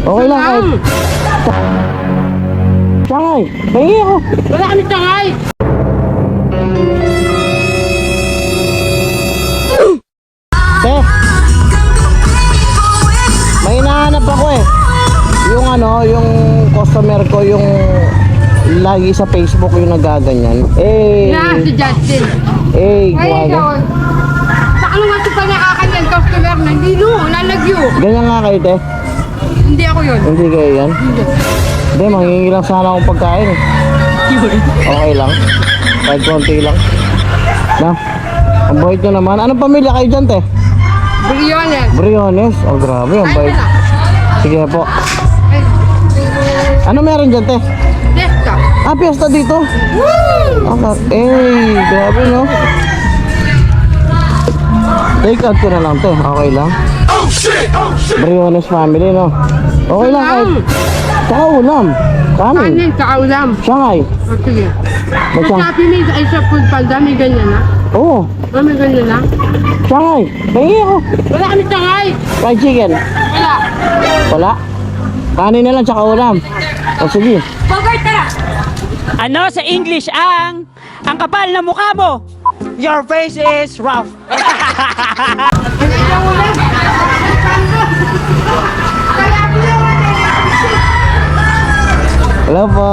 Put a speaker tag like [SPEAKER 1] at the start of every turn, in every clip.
[SPEAKER 1] Okay lang kahit. Tangay, pahingi ako.
[SPEAKER 2] Wala kami tangay.
[SPEAKER 1] Te, may hinahanap ako eh. Yung ano, yung customer ko, yung lagi sa Facebook yung nagaganyan. Eh,
[SPEAKER 2] Si Justin.
[SPEAKER 1] eh,
[SPEAKER 2] Ay, ikaw.
[SPEAKER 1] guwaga.
[SPEAKER 2] Sa ano nga ito pa nakakanyan customer na hindi no, lalagyo.
[SPEAKER 1] Ganyan nga kayo, te.
[SPEAKER 2] Hindi ako yun.
[SPEAKER 1] Hindi kayo yan. Hindi, manghingi lang sana akong pagkain eh. Okay lang. Kahit konti lang. Na, ang bait nyo naman. Anong pamilya kayo dyan, te?
[SPEAKER 2] Briones.
[SPEAKER 1] Briones. Oh, grabe, ang bait. Sige po. Ano meron dyan, te?
[SPEAKER 2] Fiesta.
[SPEAKER 1] Ah, piyesta dito. Grabe, no? Take out ko na lang, te. Okay lang. Briones family, no? Okay lang, kahit. Tsaka ulam. Kanin.
[SPEAKER 2] Kanin, kaulam.
[SPEAKER 1] Shanghai.
[SPEAKER 2] O sige. Sa
[SPEAKER 1] Basta.
[SPEAKER 2] Shopee may sa food panda, may ganyan na.
[SPEAKER 1] Oo.
[SPEAKER 2] O may ganyan na.
[SPEAKER 1] Shanghai. Pahingi ako.
[SPEAKER 2] Wala kami tangay.
[SPEAKER 1] Fried chicken.
[SPEAKER 2] Wala.
[SPEAKER 1] Wala. Kanin na lang, tsaka ulam. O sige.
[SPEAKER 2] Bogart, tara.
[SPEAKER 3] Ano sa English ang kapal na mukha mo? Your face is rough.
[SPEAKER 1] Hello po.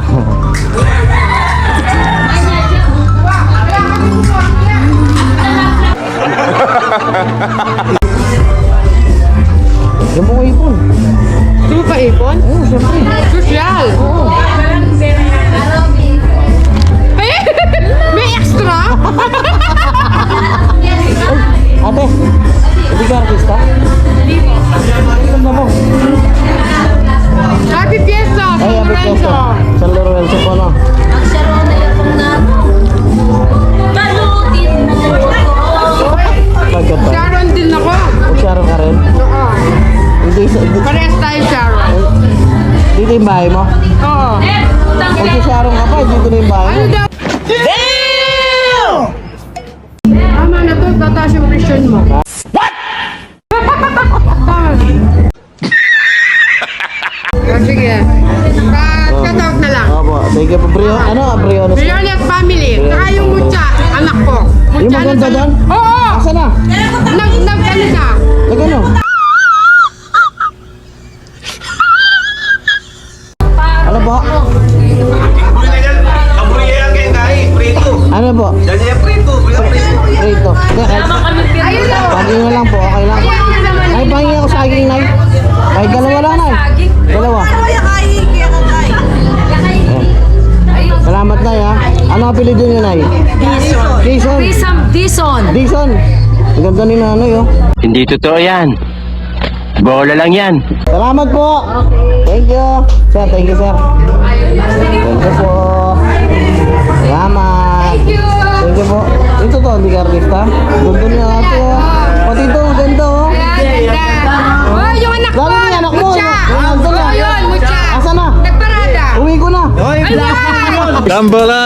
[SPEAKER 1] Yung mga ipon.
[SPEAKER 2] Tulo pa ipon?
[SPEAKER 1] Oo, siyempre.
[SPEAKER 2] Social.
[SPEAKER 1] Oo.
[SPEAKER 2] Eh, may extra?
[SPEAKER 1] Ate, hindi ka artista? Hindi po. Ganda mo.
[SPEAKER 2] Happy Fiesta,
[SPEAKER 1] Ay,
[SPEAKER 2] San
[SPEAKER 1] happy
[SPEAKER 2] Lorenzo.
[SPEAKER 1] fiesta. San Lorenzo po, no? Pagkat ba?
[SPEAKER 2] Sharon din ako.
[SPEAKER 1] Sharon ka rin?
[SPEAKER 2] Oo.
[SPEAKER 1] Hindi,
[SPEAKER 2] Parehas tayo, Sharon.
[SPEAKER 1] dito yung bahay mo?
[SPEAKER 2] Oo.
[SPEAKER 1] Kung si Sharon ka pa, dito na yung bahay
[SPEAKER 2] Ano
[SPEAKER 1] mo.
[SPEAKER 2] daw? Tama na to, tataas yung presyon mo. What? Sige. Cut-out na lang.
[SPEAKER 1] Opo, thank you po. Briones.
[SPEAKER 2] Briones family. Saka yung Mucha, anak ko.
[SPEAKER 1] Yung
[SPEAKER 2] Mucha
[SPEAKER 1] maganda
[SPEAKER 2] na-
[SPEAKER 1] doon?
[SPEAKER 2] Oo.
[SPEAKER 1] Asa na?
[SPEAKER 2] Ano na?
[SPEAKER 1] Nagano? Ano po? Ano po? Prito.
[SPEAKER 2] Ayun lang.
[SPEAKER 1] Saging na lang po, okay lang. Nay, pahingi ako saging, Nay. Kahit dalawa lang, Nay. Dalawa. Salamat, Nay, ha. Ano apelido niyo, Nay? Dison.
[SPEAKER 4] Dison.
[SPEAKER 1] Dison. Ang ganda ni Nanay, oh.
[SPEAKER 5] Hindi totoo yan. Bola lang yan.
[SPEAKER 1] Salamat po. Thank you. Sir, thank you, sir. Thank you po. Salamat.
[SPEAKER 2] Thank you.
[SPEAKER 1] Thank you po. Ito to, hindi ka artista. Ganda niya ate, oh. Pati ito, ang ganda, oh.
[SPEAKER 2] Oh, yung anak ko.
[SPEAKER 1] Lalo yung anak mo.
[SPEAKER 2] Mucha.
[SPEAKER 1] Yung nandun na.
[SPEAKER 2] Oh, yun, Mucha.
[SPEAKER 1] Asa na?
[SPEAKER 2] Nagparada.
[SPEAKER 1] Uwi ko na.
[SPEAKER 2] Ayan.
[SPEAKER 6] Gambala!